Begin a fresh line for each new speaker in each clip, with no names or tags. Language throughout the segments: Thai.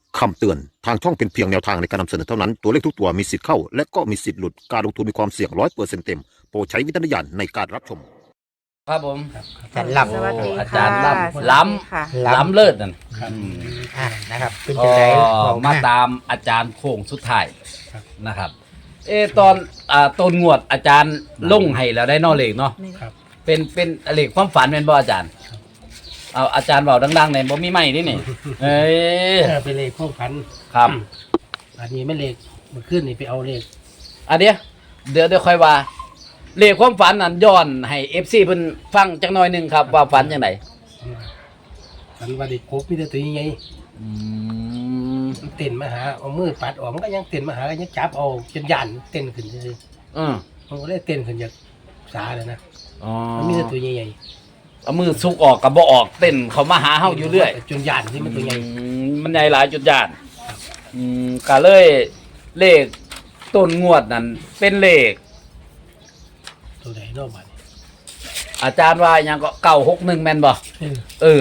คำเตือนทางช่องเป็นเพียงแนวทางในการนำเสนอเท่านั้นตัวเลขทุกตัวมีสิทธิ์เข้าและก็มีสิทธิ์หลุดการลงทุนมีความเสี่ยง100%เต็มโปรดใช้วิจารณญาณในการรับชม
ครับผม
อาจารย์ล่ำ
สวัสดี
อา
ค่ะ
จารย์ล้ำล้
ค่ะ
ำล้ำเลิศนั่น
นะครับเป็น
ก็
จังไดบอก
มาตามอาจารย์โค้งสุดท้ายนะครับ ตอนต้นงวดอาจารย์ลงให้แล้วได้นอเลขเนาะ
ครับ
เป็นเลขความฝันเป็นบ่อาจารย์เอาอาจารย์เบาดังๆหน่อยบ่มีไม้นี่นี่เอ้ย
เป็นเลขข้อพัน
ครับ
อันนี้ไม่เลขมันขึ้นนี่ไปเอาเลข
อันเดี๋ยวค่อยว่าเลขความฝันนั้นย้อนให้ FC เพิ่นฟังจักหน่อยหนึงครับว่าฝันจังได
ฝันว่าเด็กครบมีแต่ตัวใหญ่
อืม
มันเต้นมาหาเอามือปัดออกมันก็ยังเต้นมาหาก็ยังจับเอาจนยันเต้นขึ้นซื่อ
อือ
ๆมันก็เลยเต้นขึ้นจากสาเลยนะ
อ๋อ
มันมีแต่ตัวใหญ่
เอามือซุกออกกับบ่ออกเต้นเขามาหาเฮาอยู่เรื่อย
จนยันที่มันตัวใหญ่
มันใหญ่หลายจุดยานก็เลยเลขต้นงวดนั้นเป็นเลข
ตัวใหญ่นอกบ้าน
อาจารย์ว่าหยังก็961แม่นบ่
เออ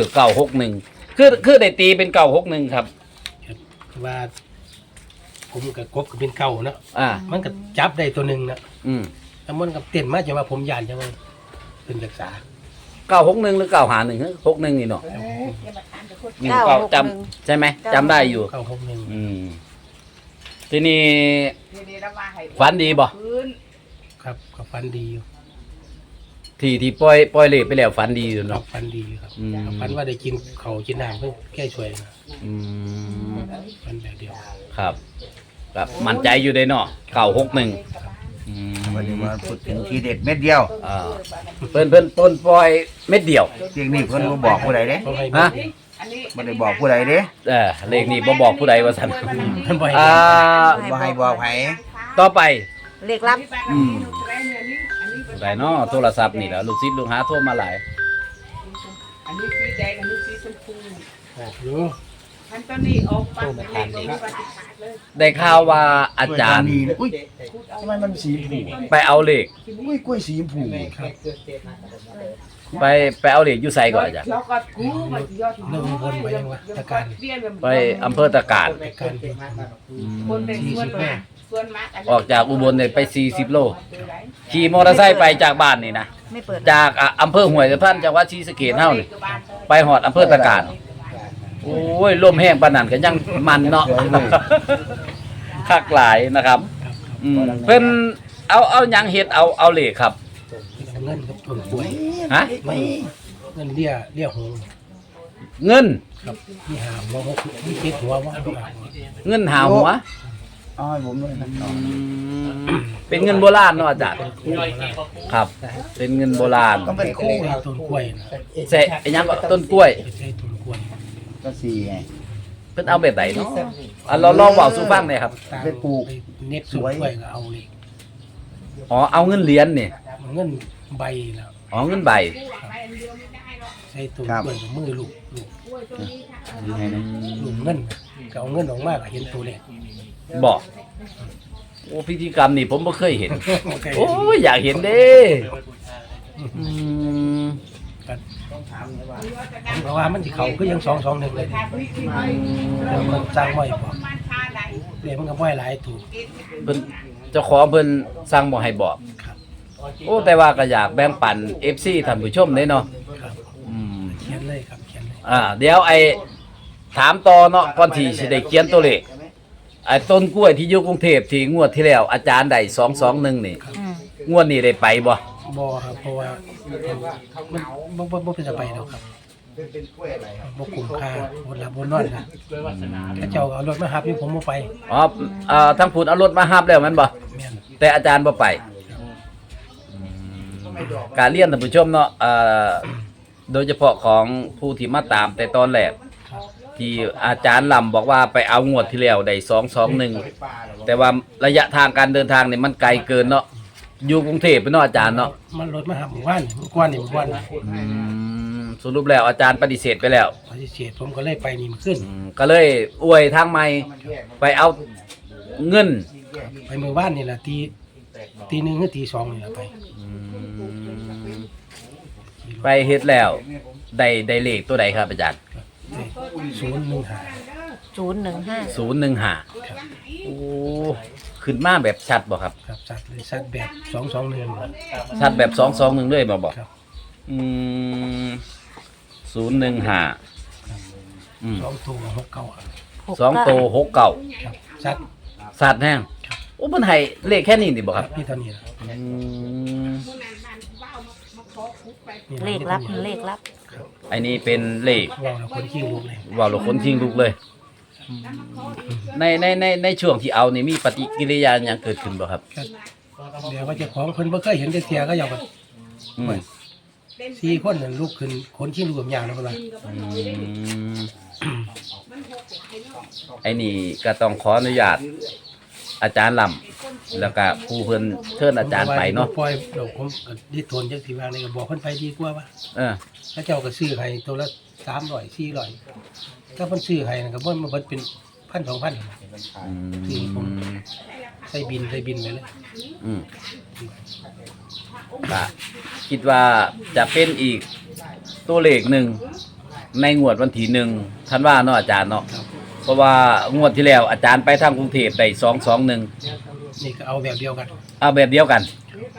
961คือได้ตีเป็น961ครับ
ว่าผมกับกบก็เป็นเก่านะ
อ่า
มันก็จับได้ตัวหนึ่งนะ
อืม
แล้วมันก็เต้นมาจนว่าผมยันใช่ไหมเป็นจากสา
961หรือ951ฮะ61นี่เนาะนี่ก็จำใช่ไหมจำได้อยู่
961
อืมทีนี้ฝันดีบ่
ครับก็ฟันดีอยู่
ที่ปล่อยเลขไปแล้วฝันดีอยู่
ครั
เนาะ
บฟันดีอยู่ครับ
อืม
ฟันว่าได้กินเขาวกินน้ำเพื่อแก้ช่วยนะ
อืม
ฟันแบบเดียว
ครับครับมั่นใจอยู่ได้เนาะ961อืม
วันนี้มาพูดถึงทีเด็ดเม็ดเดียว
อ่าเพิ่นต้นปล่อยเม็ดเดียว
เสียงนี้เพิ่นบ่บอกผู้ใดเด้
เพราะให้
ฮะ
บ่ได้บอกผู้ใดเด้
เลขนี้บ่บอกผู้ใดว่าซั่น
มันบ่ให้
อ่า
บ่ให้บอกไผ
ต่อไป
เลขลับ
อืมผู้ใดเนาะโทรศัพท์นี่แหล้วลูกศิษย์ลูกหาโทรมาหลาย
อันนี้สีแดงอันนี้สีชมพู
อยู่
อันตอนนี้ออกปัดเล็กลงปฏิขาดเลย
ได้ข่าวว่าอาจารย์
นี่อุ้ยทำไมมันสีชมพู
ไปเอาเลข
อุ้ยกล้วยสีชมพู
ไปเอาเลขอยู่ไสก่อนอาจารย์
แล้วก็กู้มาที่ยอด
เรื่องบนไปยังวะตะการ
ไปอำเภอตะการ
ตะการเป็น
คนเป็นส่วนมาก
ออกจากอุบลเนี่ยไป40โลขี่มอเตอร์ไซค์ไปจากบ้านนี่นะ
ไม่เปิด
จากอำเภอห้วยทับทันจังหวัดศรีสะเกษเฮานี่ไปฮอดอำเภอตะการโอ้ยลมแห้งปานนั้นก็ยังมันเนาะ คักหลายนะครับเพิ่นเอาหยังเฮ็ดเอาเลขครับ
เงินกับต้นกล้วย
ฮะ
ไม่เงินเลี้ยหง
เงิน
ครับมีหาหัวมีเจ็ดหัวว่าหาหัว
เงินหาหัว
เอาให้ผมด้วยนะ
เป็นเงินโบราณเนาะอาจารย์ครับ เป็นเงินโบราณ
ต้องเป็นคู่
ใส่ต้นกล้วยนะ
ใส่ไอ้หยังก็ต้นกล้วย
ใส่ต้นกล้วย
ก็สีไง
เพิ่นเอาแบบไหนเนาะเราลองเว้าสู่ฟังหน่อยครับ
ไปปลูก
เน็บต้นกล้วยก็เอาเลย
อ๋อเอาเงินเหรียญนี่
เงินใบแล้ว
อ๋อเงินใบ
ใส่ต้นกล้วยกับมือลูก
ยังไงนะ
เงินก็เอาเงินออกมาก็เห็นตัวเลข
บอกโอ้พิธีกรรมนี่ผมบ่เคยเห็น โอ้
โอ้
ยอยากเห็นเด้อืม
เพราะว่ามันที่เขาก็ยัง2-2เลยแล้วมันสร้างไว้พอเดี๋ยวมันก็บ่ให้หลายถูก
เพิ่นเจ้าของเพิ่นสั่งบ่ให้บอก
ครับ
โอ้แต่ว่าก็อยากแบ่งปัน FC ท่านผู้ชมเด้เนาะ
ครับ
อืม
เขียนเลยครับเขียนเลย
เดี๋ยวถามต่อเนาะก่อนที่สิได้เขียนตัวเลขไอ้ต้นกล้วยที่อยู่กรุงเทพที่งวดที่แล้วอาจารย์ได้221นี่
อืม
งวดนี้ได้ไปบ่
บ่ครับเพราะว่ามันบ่เป็นสบายแล้วครับบ่คุ้มค่าบ่หลับบ่นอนนะถ้าเจ้าเอารถมาหับอยู่ผมบ่ไป
อ๋อทั้งพูดเอารถมารับแล้วแม่นบ่
แม่น
แต่อาจารย์บ่ไปการเรียนท่านผู้ชมเนาะโดยเฉพาะของผู้ที่มาตามแต่ตอนแรกที่อาจารย์ลำบอกว่าไปเอางวดที่แล้วได้221แต่ว่าระยะทางการเดินทางเนี่ยมันไกลเกินเนาะอยู่กรุงเทพไปเนาะอาจารย์เนาะ
มันรถมาหับหมู่บ้านเมื่อก่อนนี่หมู่บ้าน
สรุปแล้วอาจารย์ปฏิเสธไปแล้ว
ปฏิเสธผมก็เลยไปนี่มันขึ้น
ก็เลยอวยทางใหม่ไปเอาเงิน
ไปหมู่บ้านนี่แหละตีหนึ่งหรือตีสองนี่แหละไป
ไปเฮ็ดแล้วได้เลขตัวใดครับอาจารย์
015
015
015โอ้ขึ้นมาแบบชัดบ่ครับ
ครับสัตว์เลยสัตว์แบบ221
ชัดแบบ221เลยบ่
ครับ
อืม015อืม
2ตัว6เก้าครับ
2ตัว69
ครับสัตว์
สัตว์แห้งโอ้มันให้เลขแค่นี้นี่บ่ครับ
พี่เท่านี้นะ
อืม
มื้อนั้นบ้านเว้ามาขอคุกไป
เลขลับเลขลับ
อันนี้เป็นเลข
ว่าเราคนขี้ลูกเลย
ว่าเราคนทิ้งลูกเลยในช่วงที่เอานี่มีปฏิกิริยาอย่างเกิดขึ้นบ่ครับ
เดี๋ยวว่าเจ้าของเพิ่นบ่เคยเห็นจักเที่ยก็อยากว่า
อืม
4คนนั่นลูกขึ้นคนขี้ลูกกับยางแล้วเพิ่นว่า
ไอ้นี่ก็ต้องขออนุญาตอาจารย์ลำแล้วก็ผู้เพิ่นเชิญอาจารย์ไปเนาะ
ปล่อยดอกผมก็ดิทนจักสิว่านี่ก็บอกเพิ่นไปดีกว่าว่า
เออ
ถ้าเจ้าก็ซื้อให้ตัวละ300 400ถ้าเพิ่นซื้อให้นั่นก็บ่มันเบิดเป็น 1,000 2,000
อืม
ใส่บินไปเลย
อืมก็คิดว่าจะเป็นอีกตัวเลขหนึ่งในงวดวันที่1ธันวาเนาะอาจารย์เนาะเพราะว่างวดที่แล้วอาจารย์ไปทางกรุงเทพได้221
นี่ก็เอาแบบเดียวกัน
เอาแบบเดียวกัน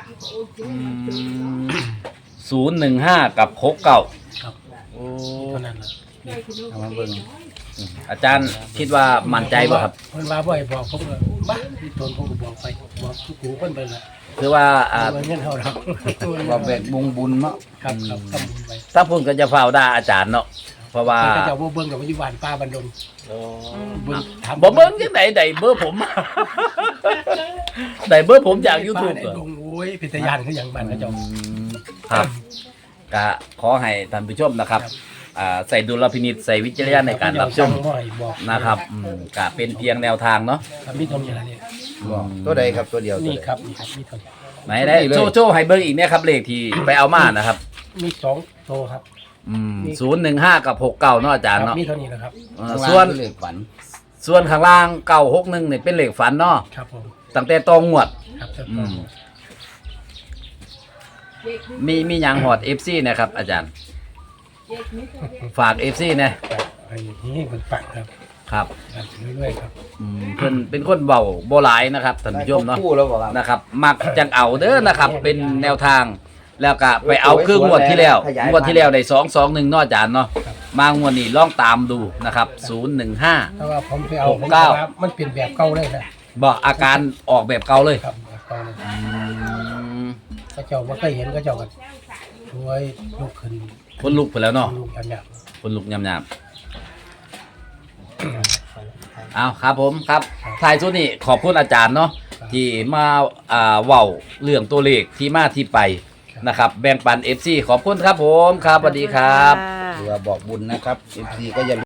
015กับ69
ครับ
โอ้
เท่านั้นล่ะ
เอามาเบิ่ง
อาจารย์คิดว่ามั่นใจบ่ครับ
เพิ่นว่าบ่ให้บอกผมก็บ้าดิทนผมก็บอกไปบอกทุกหูเพิ่นไปละ
คือว่า
ว่าเงินเฮาดอก
ว่าแบกบุญเนาะ
ครับทำบุญไป
ถ้าพูดก็จะเฝ้าด่าอาจารย์เนาะเพราะว่า
เขาเจ้าบ่เบิ่งกับอยู่บ้านป้าบันดงเบิ่งถาม
บ่เบิ่งจังไดได้เบอร์ผม ได้เบอร์ผมจาก YouTube
ป้า
เหร
ใน
อ
ดงโอ้ยเป็นตาย่านคือหยังบ้านเขาเจ้า
ครับก็ขอให้ท่านผู้ชมนะครับใส่ดุลพินิจใส่วิจารณญาณในการรับชม
บ่ให้บอก
นะครับก็เป็นเพียงแนวทางเนาะ
ครับมีเท่านี้ล่ะเนี่ย
บอกตัวใดครับตัวเดียวตัว
นี่
ใด
ครับนี่ครับมีเท่านี้
ไหนได้โชว์ให้เบิ่งอีกเนี่ยครับเลขที่ไปเอามานะครับ
มี2โตครับ
015กับ69เนาะอาจารย์
ครับ
เนาะ
มีเท่านี้นะครับ
ส่วน
ข้างล่างคือเลขฝัน
ส่วนข้างล่าง961เนี่ยเป็นเลขฝันเนาะ
ครับผม
ตั้งแต่ตองงวด
ครับจะ
อืม มีหยังหอด FC นะครับอาจารย์ ฝาก FC นะ
อันนี้เพิ่นปังครับ
ครับ
ครับเรื่อยๆครับ
เพิ่นเป็นคนเบาบ่หลายนะครับท่านผู้ชมเนาะ
คู่แล้วบอกครับ
นะครับมักจังเอาเด้อนะครับ เป็นแนวทางแล้วก็ไปเอาคืองวดที่แล้วงวดที่แล้วได้221เนาะอาจารย์เนาะมางวดนี้ลองตามดูนะครับ015
ถ้าว่าผมไปเอาผม
69
ว่ามันเป็นแบบเก่าเลยนะ
บอกอาการออกแบบเก่าเลย
ครับแบบเก่าเลย
อืม
เขาเจ้าบ่เคยเห็นเขาเจ้าก็ช่วยลุกขึ้น
คนลุกไปแล้วเนาะ
ลุกยำ
คนลุกยำๆเอาครับผมครับท้ายสุดนี่ขอบคุณอาจารย์เนาะที่มาเว้าเรื่องตัวเลขที่มาที่ไปนะครับแบ่งปัน FC ขอบคุณครับผมครับสวัสดีครับ
หรือว่าบอกบุญนะครับ FC ก็อย่า